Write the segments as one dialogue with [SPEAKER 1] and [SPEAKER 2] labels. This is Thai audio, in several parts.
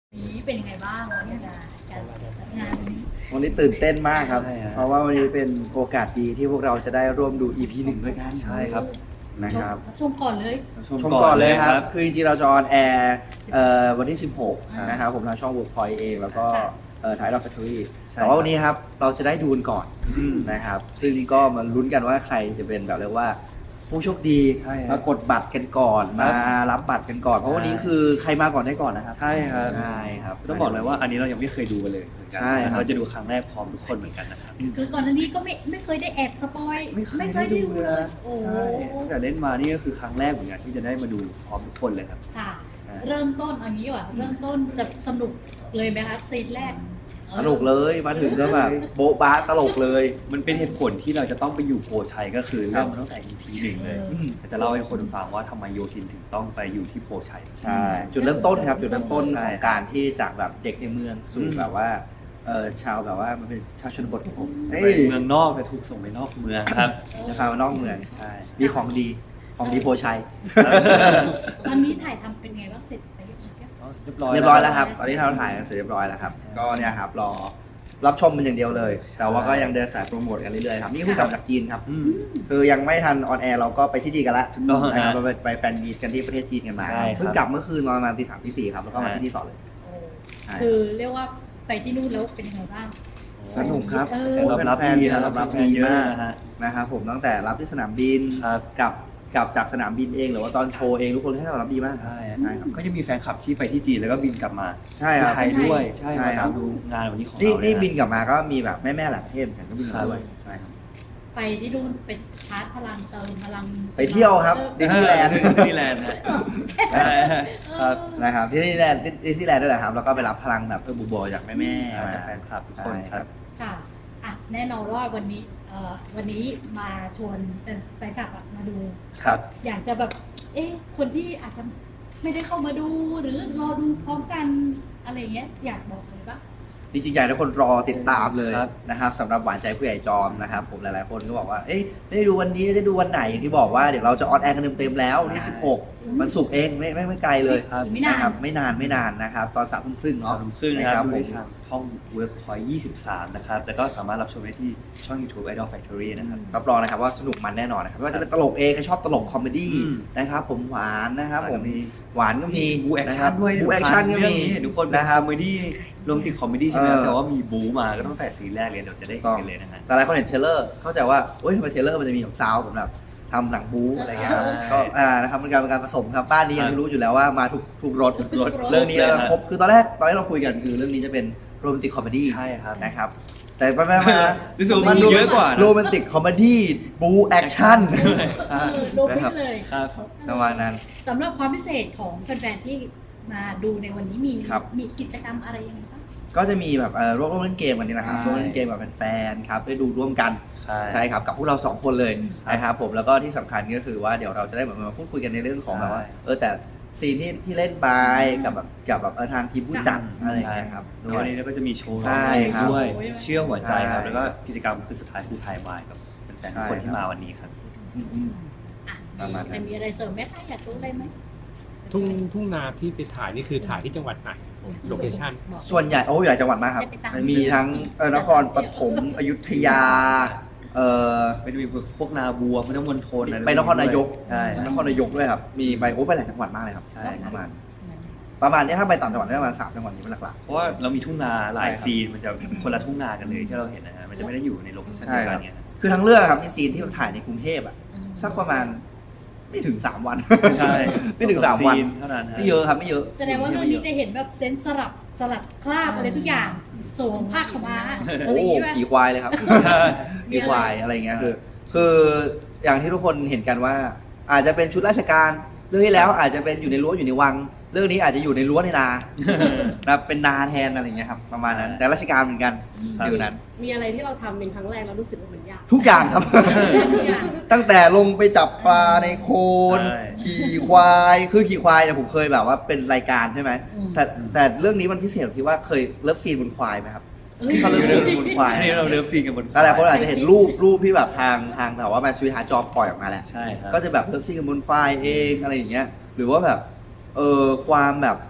[SPEAKER 1] นี้เป็นยังไงบ้างวันนี้การจัดงานนี้
[SPEAKER 2] วันนี้ตื่นเต้นมากครับ
[SPEAKER 3] ใช่ครับ
[SPEAKER 2] เพราะว่าวันนี้เป็นโอกาสดีที่พวกเราจะได้ร่วมดู EP 1ด้วยกัน
[SPEAKER 3] ใช่ครับ
[SPEAKER 2] นะครับ
[SPEAKER 1] ชมก่อนเลย
[SPEAKER 2] ชมก่อนเลยครับ คือจริงๆเราจะออนแอร์วันที่ 16 นะครับผมทางช่อง Workpoint เอง แล้วก็ถ่ายรอบ Factory
[SPEAKER 3] ใช่
[SPEAKER 2] แต่ว่าวันนี้ครับเราจะได้ดูกันก่อนนะครับ ซึ่งก็มาลุ้นกันว่าใครจะเป็นแบบเรียกว่าผู้โชคดี
[SPEAKER 3] ใช่ครับ
[SPEAKER 2] มากดบัตรกันก่อน
[SPEAKER 3] ครั
[SPEAKER 2] มา
[SPEAKER 3] บ
[SPEAKER 2] รับบัตรกันก่อน เพราะวันนี้คือใครมาก่อนได้ก่อนนะครับ
[SPEAKER 3] ใช่ครับ
[SPEAKER 2] ใช่ครับ
[SPEAKER 3] ต้องบอกเลยว่าอันนี้เรายังไม่เคยดูกันเลยเหมือนกัน
[SPEAKER 2] ใช่ครับ
[SPEAKER 3] เราจะดูครั้งแรกพร้อมทุกคนเหมือนกันนะครับ
[SPEAKER 1] คือก่อนหน้านี้ก็ไม่เคยได้แอบสปอย
[SPEAKER 3] ไม่เคยได้ดูเลยนะ
[SPEAKER 1] โอ้
[SPEAKER 3] ใช่ตั้งแต่เล่นมานี่ก็คือครั้งแรกเหมือนกันที่จะได้มาดูพร้อมทุกคนเลยครับ
[SPEAKER 1] ค่ะ เริ่มต้นเอันนี้ว่ะเริ่มต้นจะสนุกเลยไหมคะซีนแรก
[SPEAKER 2] สนุกเลยมาถึงก็แบบโบ๊ะบ้าตลกเลย
[SPEAKER 3] มันเป็นเหตุผลที่เราจะต้องไปอยู่โพชัยก็คือเริ่มตั้งแต่ EP หนึ่งเลย
[SPEAKER 2] อืม
[SPEAKER 3] จะเล่าให้คนฟังว่าทำไมโยทินถึงต้องไปอยู่ที่โพชัย
[SPEAKER 2] ใช่ จุดเริ่มต้นครับ จุดเริ่มต้น
[SPEAKER 3] ใช่
[SPEAKER 2] ของการที่จากแบบเด็กในเมืองสู่
[SPEAKER 3] อืม
[SPEAKER 2] แบบว่าชาวแบบว่ามันเป็นชาวชนบทของผม
[SPEAKER 3] ไปเมืองนอกแต่ถูกส่งไปนอกเมืองครับ
[SPEAKER 2] นะครับมานอกเมือง
[SPEAKER 3] ใช่
[SPEAKER 2] มีของดีของดีโพชัย
[SPEAKER 1] วันนี้ถ่ายทำเป็นไงบ้างเสร็จไปเรียบร้อย
[SPEAKER 3] เรียบร้อย
[SPEAKER 2] เรียบร้อยแล้วครับ ตอนนี้เราถ่ายกันเสร็จเรียบร้อยแล้วครับ ก็เนี่ยครับรอรับชมมันอย่างเดียวเลย แต่ว่าก็ยังเดินสายโปรโมทกันเรื่อยๆครับ นี่เพิ่งกลับจากจีนครับ
[SPEAKER 3] อืม
[SPEAKER 2] คือยังไม่ทันออนแอร์เราก็ไปที่จีนกันแล้ว
[SPEAKER 3] ถูกต้อง
[SPEAKER 2] นะครับ
[SPEAKER 3] ฮะ
[SPEAKER 2] เราไปแฟนมีตกันที่ประเทศจีนกันมา
[SPEAKER 3] ใช่ครับ
[SPEAKER 2] เพิ่งกลับเมื่อคืนนอนประมาณตี 3ตี 4ครับ แล้วก็มาที่นี่ต่อเลย
[SPEAKER 1] โอ้
[SPEAKER 2] ใช่
[SPEAKER 1] คือเรียกว่าไปที่นู่นแล้วเป็นยังไงบ้าง
[SPEAKER 2] สนุกครับ
[SPEAKER 1] เออ
[SPEAKER 3] เสียงตอบรับดีนะ
[SPEAKER 2] ตอบรับ
[SPEAKER 3] แฟน
[SPEAKER 2] ดี
[SPEAKER 3] เยอะ
[SPEAKER 2] มาก
[SPEAKER 3] นะฮะ
[SPEAKER 2] นะครับผมตั้งแต่รับที่สนามบิน
[SPEAKER 3] ครับ
[SPEAKER 2] กลับจากสนามบินเองหรือว่าตอนโชว์เองทุกคนให้ตอบรับดีมาก
[SPEAKER 3] ใช่
[SPEAKER 2] ใช่ครับ
[SPEAKER 3] ก็จะมีแฟนคลับที่ไปที่จีนแล้วก็บินกลับมา
[SPEAKER 2] ใช่ครับ
[SPEAKER 3] ไทยด้วยใช่
[SPEAKER 2] ใช่
[SPEAKER 3] มา
[SPEAKER 2] ครั
[SPEAKER 3] ตา
[SPEAKER 2] บ
[SPEAKER 3] มดูงานวันนี้ของ
[SPEAKER 2] นี่
[SPEAKER 3] เรา
[SPEAKER 2] นี่
[SPEAKER 3] เลยะ
[SPEAKER 2] บินกลับมาก็มีแบบแม่ๆหลายประเทศเหมือนกันก็บินมาด้วยใช่ครับ
[SPEAKER 1] ไปที่นู่นเป็นชาร์จพลังเติมพลัง
[SPEAKER 2] ไปเที่ยวครับ ดิสนีย์แลนด์
[SPEAKER 3] ดิสนีย์แลนด์นะใช่ครับ
[SPEAKER 2] นะครับที่ดิสนีย์แลนด์ด้วยแหละครับแล้วก็ไปรับพลังแบบบุบๆจากแม่ๆ
[SPEAKER 3] มา
[SPEAKER 2] มา
[SPEAKER 3] จากแฟนคลับทุกคนครับ
[SPEAKER 1] ค่ะอ่ะแน่นอนว่าวันนี้มาชวนแฟนคลับอะมาดู
[SPEAKER 3] ครับ
[SPEAKER 1] อยากจะแบบ คนที่อาจจะไม่ได้เข้ามาดูหรือรอดูพร้อมกันอะไรเงี้ย อยากบอกเลยปะ
[SPEAKER 2] จริงๆอยากให้ทุกคนรอติดตามเลย
[SPEAKER 3] ครับ
[SPEAKER 2] นะครับสำหรับหวานใจผู้ใหญ่จอมนะครับผมหลายๆคนก็บอกว่าเอ๊ะได้ดูวันนี้ได้ดูวันไหนอย่างที่บอกว่าเดี๋ยวเราจะออนแอร์กันเต็มๆแล้ววันที่16มันสุกร์เองไม่ไกลเลย
[SPEAKER 3] ครับ
[SPEAKER 1] ไม่นาน
[SPEAKER 2] นะครับไม่นานนะครับตอน3 ทุ่มครึ่ง
[SPEAKER 3] สอ
[SPEAKER 2] เนาะ
[SPEAKER 3] งทุ่มครึ่งนะครับดู
[SPEAKER 2] ผม
[SPEAKER 3] ได้ทางช่อง Workpoint 23 นะครับแล้วก็สามารถรับชมได้ที่ช่อง YouTube Idol Factory นะครับ
[SPEAKER 2] รับรองนะครับว่าสนุกมันแน่นอนนะครับไม่ว่าจะเป็นตลกเองใครชอบตลกคอมเมดี้
[SPEAKER 3] อืม
[SPEAKER 2] นะครับผมหวานนะครับผม
[SPEAKER 3] มี
[SPEAKER 2] หวานก็มี
[SPEAKER 3] บูแอคชั่นด้วย
[SPEAKER 2] บูแอคชั่นก็
[SPEAKER 3] เรื่อง
[SPEAKER 2] มี
[SPEAKER 3] นี้เห็นทุกคนเป็น
[SPEAKER 2] นะค
[SPEAKER 3] ครับ อมเมดี้รวมติดคอมเมดี้ใช่ไหมครับ
[SPEAKER 2] เออ
[SPEAKER 3] แต่ว่ามีบูมาก็ตั้งแต่ซีนแรกเลยเดี๋ยวจะได้เห็นกันเลยนะฮะ
[SPEAKER 2] แต่หลายคนเห็นเทรลเลอร์เข้าใจว่าโอ๊ยทำไมเทรลเลอร์มันจะมีแบบซาวด์แบบทำหนังบู๊อะไรเงี้ย
[SPEAKER 3] ใช่
[SPEAKER 2] ก็นะครับเป็นการผสมครับบ้านนี้ยังรู้อยู่แล้วว่ามาถูกรถ
[SPEAKER 3] รถ
[SPEAKER 2] เรื่องนี้
[SPEAKER 3] เลยฮะ
[SPEAKER 2] ครบคือตอนแรกเราคุยกันคือเรื่องนี้จะเป็นโรแมนติกคอมเมดี้
[SPEAKER 3] ใช่ครับ
[SPEAKER 2] นะครับแต่ไปมา
[SPEAKER 3] รู้สึกว่ามันเยอะกว่านะ
[SPEAKER 2] โรแมนติกคอมเมดี้บู๊แอคชั่น
[SPEAKER 1] โดนพิษเลย
[SPEAKER 3] ครับ
[SPEAKER 2] ประมาณนั้น
[SPEAKER 1] สำหรับความพิเศษของแฟนๆที่มาดูในวันนี้มี
[SPEAKER 2] ครับ
[SPEAKER 1] มีกิจกรรมอะไรยังไงบ้าง
[SPEAKER 2] ก็จะมีแบบร่วมเล่นเกมกันนี่นะครับ
[SPEAKER 3] ใช่
[SPEAKER 2] ร่วมเล่นเกมกับแฟนๆครับได้ดูร่วมกัน
[SPEAKER 3] ใช่
[SPEAKER 2] ใช่ครับกับพวกเรา2 คนเลย
[SPEAKER 3] ครับ
[SPEAKER 2] นะครับผมแล้วก็ที่สำคัญก็คือว่าเดี๋ยวเราจะได้เหมือนมาพูดคุยกันในเรื่องของแบบว่า
[SPEAKER 3] ใช่
[SPEAKER 2] แต่ซีนที่เล่นไปกับแบบทางทีมผู้จัดอะไรอย่างเงี้ยครับ
[SPEAKER 3] แล้ววันนี้เราก็จะมีโชว์
[SPEAKER 2] ใช่
[SPEAKER 3] ร้องเพลง
[SPEAKER 2] ครับ
[SPEAKER 3] ด้วยเชื่อหัวใจครับ
[SPEAKER 2] ใช่
[SPEAKER 3] แล้วก็กิจกรรมคือสุดท้ายคือถ่ายวายกับแฟนๆทุกคนที่มาวันนี้ครับ
[SPEAKER 1] อ่ะ
[SPEAKER 2] ประมาณนั้น
[SPEAKER 1] ใครมีอะไรเสริมไหมคะอยากรู้อะไรไหม
[SPEAKER 4] ทุ่งนาที่ไปถ่ายนี่คือถ่ายที่จังหวัดไหนโลเคชั่น
[SPEAKER 1] บอก
[SPEAKER 2] ส่วนใหญ่หลายจังหวัดมากครับ
[SPEAKER 1] จะไปตาม
[SPEAKER 2] มันมีทั้งนครปฐมอยุธยาเอ่อ
[SPEAKER 3] ไม่ได้มีพวกนาบัวพุทธมณฑลอะไร
[SPEAKER 2] ไปนครนายก
[SPEAKER 3] ใช่
[SPEAKER 2] นครนายกด้วยครับมีไปไปหลายจังหวัดมากเลยครับ
[SPEAKER 3] ใช่
[SPEAKER 2] ประมาณนี้ถ้าไปต่างจังหวัดได้ประมาณ3 จังหวัดนี้เป็นหลัก
[SPEAKER 3] เพราะว่าเรามีทุ่งนาหลาย
[SPEAKER 2] ใช่ครับ
[SPEAKER 3] ซีนมันจะคนละทุ่งนากันเลยที่เราเห็นนะฮะมันจะไม่ได้อยู่ในโลเคชั่นเดียวกันเนี่ยนะ
[SPEAKER 2] ๆคือทั้งเรื่องครับมีซีนที่ถ่ายในกรุงเทพอ่ะสักประมาณไม่ถึง3 วัน
[SPEAKER 3] ใช่
[SPEAKER 2] ไม่ถึง3 วัน
[SPEAKER 3] ซีเท่านั้นฮะ
[SPEAKER 2] ไม่เยอะครับไม่เยอะ
[SPEAKER 1] แสดงว่าเรื่องนี้จะเห็นแบบเซนส์สลับคราบอะไรทุกอย่างสวมผ้าขาวม้าอะ
[SPEAKER 2] โอ้
[SPEAKER 1] ไรอย่างงี้ป่ะ
[SPEAKER 2] ขี่ควายเลยครับ
[SPEAKER 1] มี
[SPEAKER 2] ขี่
[SPEAKER 1] อะไร
[SPEAKER 2] ควายอะไรอย่างเงี้ยคืออย่างที่ทุกคนเห็นกันว่า อาจจะเป็นชุดราชการเรื่องที่แล้วอาจจะเป็นอยู่ในรั้วอยู่ในวัง เรื่องนี้อาจจะอยู่ในรั้วในนานะครับเป็นนาแทนอะไรอย่างเงี้ยครับประมาณนั้นแต่ราชการเหมือนกันอยู่นั้น
[SPEAKER 5] มีอะไรที่เราทำเป็นครั้งแรกเรารู้สึกว่ามันยาก
[SPEAKER 2] ทุกอย่างครับ
[SPEAKER 1] ทุกอย่าง
[SPEAKER 2] ตั้งแต่ลงไปจับปลาในโคลน
[SPEAKER 3] ใช่
[SPEAKER 2] ขี่ควายคือขี่ควายเนี่ยผมเคยแบบว่าเป็นรายการใช่ไหม
[SPEAKER 1] อืม
[SPEAKER 2] แต่เรื่องนี้มันพิเศษตรงที่ว่าเคยเลิฟซีนบนควายไหมครับ
[SPEAKER 1] เอ้ย
[SPEAKER 2] เขาเลิฟซีนบนควาย
[SPEAKER 3] อันนี้เราเลิฟซีนกันบน
[SPEAKER 2] หลายคนอาจจะเห็นรูปที่แบบทางแบบว่าแมนซูฮาจอปล่อยออกมาแหละ
[SPEAKER 3] ใช่ครับ
[SPEAKER 2] ก็จะแบบเลิฟซีนกันบนไฟล์เองอะไรอย่างเงี้ยหรือว่าแบบความแบบ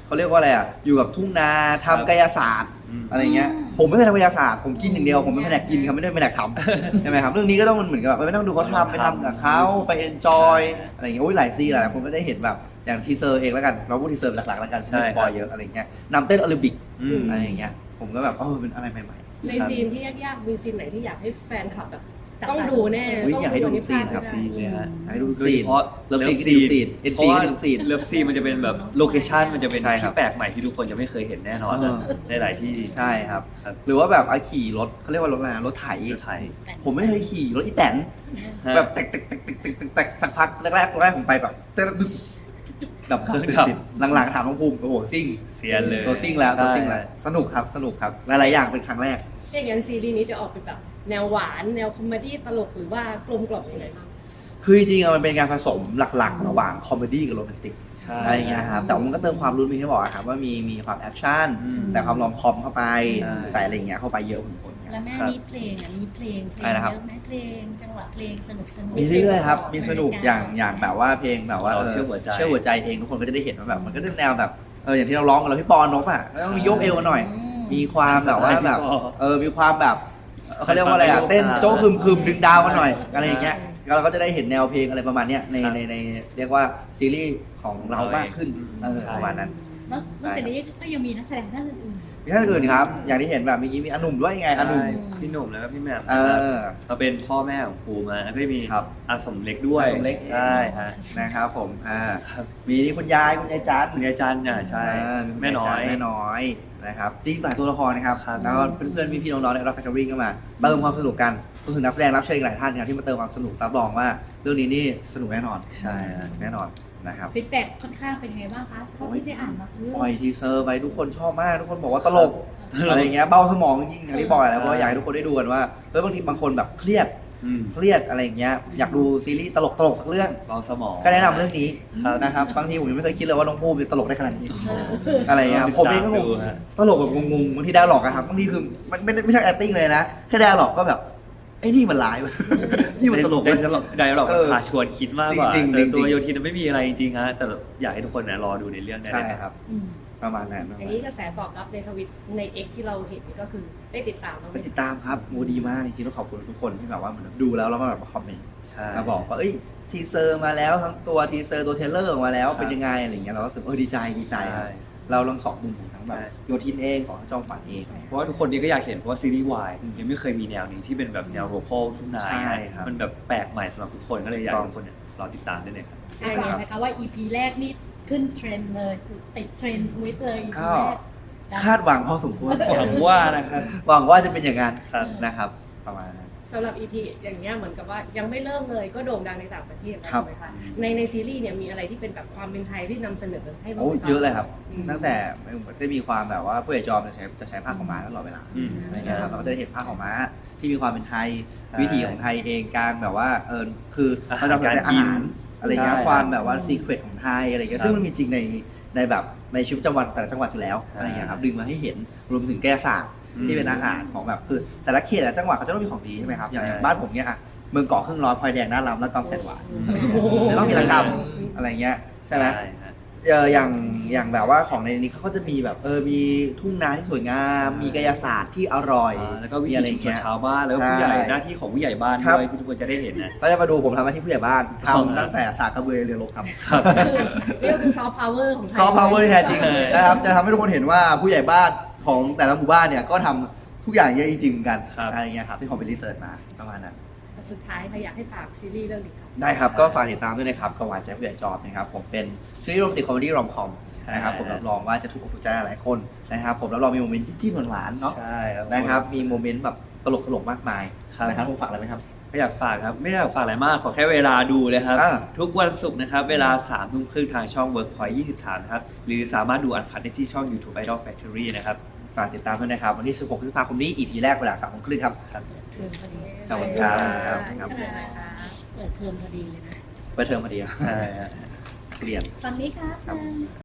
[SPEAKER 2] เขาเรียกว่าอะไรอ่ะอยู่กับทุ่งนาทำกายศาสตร์
[SPEAKER 3] อืม
[SPEAKER 2] อะไรเงี้ยผมไม่เคยทำกายศาสตร์ผมกินอย่างเดียวผมเป็นแผนกกินครับไม่ได้เป็นแผนกทำ ใช่ไหมครับเรื่องนี้ก็ต้องมันเหมือนกับแบบไม่ต้องดูเขาทำไปทำกับเขาไปเอนจอยอะไรอย่างเงี้ยโอ้ยหลายซีนหลายคนก็ได้เห็นแบบอย่างทีเซอร์เองแล้วกันเราพูดทีเซอร์หลักๆแล้วกัน
[SPEAKER 3] ใช่
[SPEAKER 2] ไม่สปอยเยอะอะไรเงี้ยนำเต้นโอลิมปิก
[SPEAKER 3] อืม
[SPEAKER 2] อะไรอย่างเงี้ยผมก็แบบเป็นอะไรใหม่
[SPEAKER 5] ในซีนที่ยากๆมีซีนไหนที่อยากให้แฟนคลับแบบต้องดูแน่
[SPEAKER 2] อุ๊ยอยากให้ดู
[SPEAKER 5] ต้อง
[SPEAKER 2] ซีนครับ
[SPEAKER 3] ซีนเลยฮะ
[SPEAKER 2] ๆให้ดู
[SPEAKER 3] โดย
[SPEAKER 2] ซี
[SPEAKER 3] เฉ
[SPEAKER 2] น
[SPEAKER 3] พาะ
[SPEAKER 2] เลิฟซีน
[SPEAKER 3] ซีน
[SPEAKER 2] ซีนเอ็น
[SPEAKER 3] เพ
[SPEAKER 2] ซี
[SPEAKER 3] ราะว่า
[SPEAKER 2] เลิฟซีน
[SPEAKER 3] เลิฟซีนมันจะเป็นแบบโลเคชั่นมันจะเป็น
[SPEAKER 2] ใช่ครับ
[SPEAKER 3] ที่แปลกใหม่ที่ทุกคนจะไม่เคยเห็นแน่นอน
[SPEAKER 2] เออ
[SPEAKER 3] ในหลายที่
[SPEAKER 2] ใช่ครับ
[SPEAKER 3] ครับ
[SPEAKER 2] หรือว่าแบบขี่รถเขาเรียกว่ารถอะไรนะรถไถ
[SPEAKER 3] รถไถ
[SPEAKER 2] ผมไม่เคยขี่รถอีแตน
[SPEAKER 3] ฮะ
[SPEAKER 2] แบบแตกสักพักแรกผมไปแบบแบบ
[SPEAKER 3] เครื่องดับ
[SPEAKER 2] หลังๆถามน้องภูมิโอ้โหซิ่ง
[SPEAKER 3] เซียนเลย
[SPEAKER 2] ตัวซิ่งแล้วตัว
[SPEAKER 3] ใช่
[SPEAKER 2] ซิ่งแล้วสนุกครับหลายๆอย่างเป็นครั้งแรก
[SPEAKER 5] อย่างนั้นซีรีส์นี้จะออกเป็นแบบแนวหวานแนวคอมเมดี้ตลกหรือว่ากลมกล่อมยังไงบ้าง
[SPEAKER 2] คือจริงๆมันเป็นการผสมหลักๆระหว่างคอมเมดี้กับโรแมนติก
[SPEAKER 3] ใช่
[SPEAKER 2] อะไรอย่างเงี้ยครับแต่มันก็เติมความรุนแรงที่บอกอะครับว่ามีความแอคชั่น
[SPEAKER 3] อืม
[SPEAKER 2] แต่ความรอมคอมเข้าไป
[SPEAKER 3] ใช่
[SPEAKER 2] ใส่อะไรอย่างเงี้ยเข้าไปเยอะพอสมควรครับ
[SPEAKER 6] แล้วแม่นี้เพลงมีเพลง
[SPEAKER 2] อะไรนะครับ
[SPEAKER 6] เยอะไหมเพลงจังหวะเพลงสนุก
[SPEAKER 2] มีเรื่อยๆครับมีสนุกอย่างแบบว่าเพลงแบบว่า
[SPEAKER 3] เชื่อหัวใจ
[SPEAKER 2] เชื่อหัวใจเองทุกคนก็จะได้เห็นว่าแบบมันก็เป็นแนวแบบอย่างที่เราร้องกันแล้วพี่ปอนนกอ่ะแล้วต้องมีโยกเอวหน่อย มีความแบบว่าแบบมีความแบบเขาเรียกว่าอะไรอ่ะเต้นโจ๊กคึมดึงดาวกันหน่อยอะไรอย่างเงี้ยเราก็จะได้เห็นแนวเพลงอะไรประมาณเนี้ยในเรียกว่าซีรีส์ของเรามากขึ้นประมาณนั้น
[SPEAKER 1] แล้วนอกจากนี้ก็ยังมีนักแสดงท่านอื่น
[SPEAKER 2] มีท่านอื่นครับ อย่างที่เห็นแบบเมื่อกี้มีอนุ่มด้วยไงอนุ่ม
[SPEAKER 3] ใช่พี่หนุ่มแล้วก็พี่แหม่ม
[SPEAKER 2] เออ
[SPEAKER 3] มาเป็นพ่อแม่ของครูมาแล้วก็มี
[SPEAKER 2] ครับ
[SPEAKER 3] อาสมเล็กด้วย
[SPEAKER 2] อาสมเล็ก
[SPEAKER 3] ใช่ฮะ
[SPEAKER 2] นะครับผม
[SPEAKER 3] ครับ
[SPEAKER 2] มีนี่คุณยายจัน
[SPEAKER 3] คุณยายจันน่ะใช่ แม่น้อย
[SPEAKER 2] แม่น้อยนะครับจริงหลายตัวละครนะครับ
[SPEAKER 3] ครับ
[SPEAKER 2] แล้วก็เพื่อนๆพี่ๆน้องๆในรับแฟคทอรี่ก็มาเติมความสนุกกันก็คือนักแสดงรับเชิญอีกหลายท่านครับที่มาเติมความสนุกรับรองว่าเรื่องนี้นี่สนุกแน่นอน
[SPEAKER 3] ใช่ฮะ
[SPEAKER 2] แน่นอนนะครับ
[SPEAKER 1] ฟีดแบ็กค่อนข้างเป็นไงบ้างคะเท่าที่ได้อ่านมาคือ
[SPEAKER 2] ปล่อยทีเซอร์ไปทุกคนชอบมากทุกคนบอกว่าตลกอะไรอย่างเงี้ยเบาสมองจริงๆอย่างที่บอกแล้วเพราะว่าอยากให้ทุกคนได้ดูกันว่าบางทีบางคนแบบเครียดอะไรอย่างเงี้ยอยากดูซีรีส์ตลกสักเรื่อง
[SPEAKER 3] เบาสมอง
[SPEAKER 2] ก็แนะนำเรื่องนี้
[SPEAKER 3] ครับ
[SPEAKER 2] นะครับบางทีผมยังไม่เคยคิดเลยว่าน้องภูมิจะตลกได้ขนาดนี้อะไรอย่างเงี้ยผมเองก็งง
[SPEAKER 3] ดูฮะ
[SPEAKER 2] ตลกแบบงงๆบางทีดาหลอกอะครับบางทีคือมันไม่ใช่ acting เลยนะแค่ดาหลอกก็แบบไอ้นี่มันร้าย นี่มันตลก
[SPEAKER 3] ได้
[SPEAKER 2] เว้ย
[SPEAKER 3] ได้หรอก
[SPEAKER 2] เออ
[SPEAKER 3] พาชวนคิดมากกว่า
[SPEAKER 2] จริงๆ
[SPEAKER 3] แต่ตัว
[SPEAKER 2] จริงๆ
[SPEAKER 3] โยทินไม่มีอะไรจริงๆฮะแต่อยากให้ทุกคนนะรอดูในเรื่องได้
[SPEAKER 2] ใช่
[SPEAKER 3] เลย
[SPEAKER 2] ครับ
[SPEAKER 1] อืม
[SPEAKER 2] ประมาณนั้น
[SPEAKER 5] อย่างนี้กระแสตอบรับในทวิตใน X ที่เราเห็นก็คือได้ติดตามเราไห
[SPEAKER 2] ไป
[SPEAKER 5] ม
[SPEAKER 2] ติดตามครับโมดีมากจริงๆต้องขอบคุณทุกคนที่แบบว่าเหมือนดูแล้วมาแบบมาคอมเมนต์
[SPEAKER 3] ใช่
[SPEAKER 2] มาบอกว่าเอ้ยทีเซอร์มาแล้วทั้งตัวทีเซอร์ตัวเทรลเลอร์ออกมาแล้ว
[SPEAKER 3] ครับ
[SPEAKER 2] เป็นยังไงอะไรอย่างเงี้ยเราก็รู้สึกดีใจครับ
[SPEAKER 3] ใช่
[SPEAKER 2] เราลองสองมุมของทั้งแบบ
[SPEAKER 3] ใช่
[SPEAKER 2] โยทินเองของจอมฝันเอง
[SPEAKER 3] เพราะว่าทุกคนนี้ก็อยากเห็นเพราะว่าซีรีส์วายยังไม่เคยมีแนวนี้ที่เป็นแบบแนวโลคอลทุ่งนา
[SPEAKER 2] ใช่ครับ
[SPEAKER 3] มันแบบแปลกใหม่สำหรับทุกคนก็เลยอยากให้ทุกคนเนี่ยรอติดตามได้เลยครับ
[SPEAKER 1] ใช่เลยนะคะว่า EP แรกนี่ขึ้นเทรนด์เลยติดเทรนด์ทวิตเลย EP
[SPEAKER 2] ก็
[SPEAKER 1] แรก
[SPEAKER 2] คาดหวังพอสมควร
[SPEAKER 3] หวังว่านะครับ
[SPEAKER 2] หวังว่าจะเป็นอย่างนั้น
[SPEAKER 3] ครับ
[SPEAKER 2] นะครับ ประมาณนั้น
[SPEAKER 5] สำหรับ EP อย่างเงี้ยเหมือนกับว่ายังไม่เริ่มเลยก็โด่งดังในต่างประเทศแล้ว
[SPEAKER 2] ครับ
[SPEAKER 5] ใช่ไหมคะในซีรีส์เนี่ยมีอะไรที่เป็นแบบความเป็นไทยที่นำเสนอให้บ้าง
[SPEAKER 2] โอ้
[SPEAKER 5] ไหมคะ
[SPEAKER 2] เยอะเลยครับ
[SPEAKER 5] อืม
[SPEAKER 2] ตั้งแต่ได้มีความแบบว่าผู้ใหญ่จอมจะใช้ผ้าขาวม้าตลอดเวลา
[SPEAKER 3] อืม
[SPEAKER 2] อะไรเงี้ยครับเราก็จะได้เห็นผ้าขาวม้าที่มีความเป็นไทย
[SPEAKER 3] ใช่
[SPEAKER 2] วิถีของไทยเองการแบบว่าคือ
[SPEAKER 3] อาหาร
[SPEAKER 2] เราจะแต่อาหารอะไรเงี้ย
[SPEAKER 3] ใช่
[SPEAKER 2] ความแบบว่าซีเครตของไทยอะไรเงี้ย
[SPEAKER 3] ครับ
[SPEAKER 2] ซึ่งมันมีจริงในแบบในชีวิตประจำวันแต่ละจังหวัดอยู่แล้ว
[SPEAKER 3] ใช่
[SPEAKER 2] อะไรเงี้ยครับดึงมาให้เห็นรวมถึงแก้ศาสตร์
[SPEAKER 3] อืม
[SPEAKER 2] ที่เป็นอาหารของแบบคือแต่ละเขตแต่ละจังหวัดเขาจะต้องมีของดีใช่ไหมครับอย่าง
[SPEAKER 3] ใช่
[SPEAKER 2] บ้านผมเนี่ยอะเมืองเกาะครึ่งร้อนพลอยแดงหน้าลำและกองแสนหวาน
[SPEAKER 5] โอ้โห
[SPEAKER 2] จะต้องมีระกำอะไรเงี้ยใช่ไหม
[SPEAKER 3] ฮะ
[SPEAKER 2] อย่างแบบว่าของในนี้เขาก็จะมีแบบมีทุ่งนาที่สวยงาม
[SPEAKER 3] ใช่
[SPEAKER 2] มีกายศาสตร์ที่อร่อย
[SPEAKER 3] แล้วก็วิ
[SPEAKER 2] มี
[SPEAKER 3] ถี
[SPEAKER 2] อะไร
[SPEAKER 3] ชุมชน
[SPEAKER 2] เงี้ย
[SPEAKER 3] ชาวบ้านแล้วก็
[SPEAKER 2] ใช่
[SPEAKER 3] ผู้ใหญ่หน้าที่ของผู้ใหญ่บ้าน
[SPEAKER 2] ครับ
[SPEAKER 3] ด้วยที่ทุกคนจะได้เห็นนะ
[SPEAKER 2] ก็จะมาดูผมทำหน้าที่ผู้ใหญ่บ้าน
[SPEAKER 3] ครับ
[SPEAKER 2] ทำตั้งแต่สากกระเบือเรือรบครับ
[SPEAKER 5] นี่ก็คือซอฟต์พาวเวอร์ของไทย
[SPEAKER 2] ซอฟต์พาวเวอร์ที่แท้จริงนะครับจะทำให้ทุกคนเห็นว่าผู้ใหญ่บ้านของแต่ละหมู่บ้านเนี่ยก็ทำทุกอย่างเยอะจริงๆเหมือนกัน
[SPEAKER 3] ครับ
[SPEAKER 2] อะไรเงี้ยครับที่ผมไปรีเสิร์ชมาประมาณนั้น
[SPEAKER 5] สุดท้ายค่ะอยากให้ฝากซีรีส์เรื่องนี้ค่ะ
[SPEAKER 2] ได้ครับ ก็ฝากติดตามด้วยนะครับกบหวานใจผู้ใหญ่จอบนะครับผมเป็นซีรีส์โรแมนติกคอมเมดี้รอมคอมนะครับ
[SPEAKER 3] ใช่
[SPEAKER 2] ผมรับรองว่าจะถูกอกถูกใจหลายคนนะครับผมรับรองมีโมเมนต์จิ้มๆหวานๆเนาะ
[SPEAKER 3] ใช่ครับ
[SPEAKER 2] นะครับมีโมเมนต์แบบตลกๆมากมาย
[SPEAKER 3] ครับ
[SPEAKER 2] นะครับผมฝากอะไรไหมครับ
[SPEAKER 3] ก็อยากฝากครับไม่ได้อยากฝากอะไรมากขอแค่เวลาดูเลยครับ
[SPEAKER 2] อ่า
[SPEAKER 3] ทุกวันศุกร์นะครับเวลา3 ทุ่มครึ่งทางช่อง Workpoint 23นะครับหรือสามารถดูอันคัดได้ที่ช่อง YouTube Idol Factory นะครับ
[SPEAKER 2] ฝากติดตามด้วยนะครับวันที่ 16 พฤษภาคมนี้ EP แรกเวลา 3 โมงครึ่งครับ
[SPEAKER 6] เปิดเทอมพอดี
[SPEAKER 2] ขอบคุณครับ
[SPEAKER 5] ครับ
[SPEAKER 6] เปิดเทอมพอดีเลยนะ
[SPEAKER 2] เปิดเทอมพอดีครับ
[SPEAKER 3] ใช่ฮะ
[SPEAKER 2] เรียน
[SPEAKER 1] ตอนนี้ค่ะ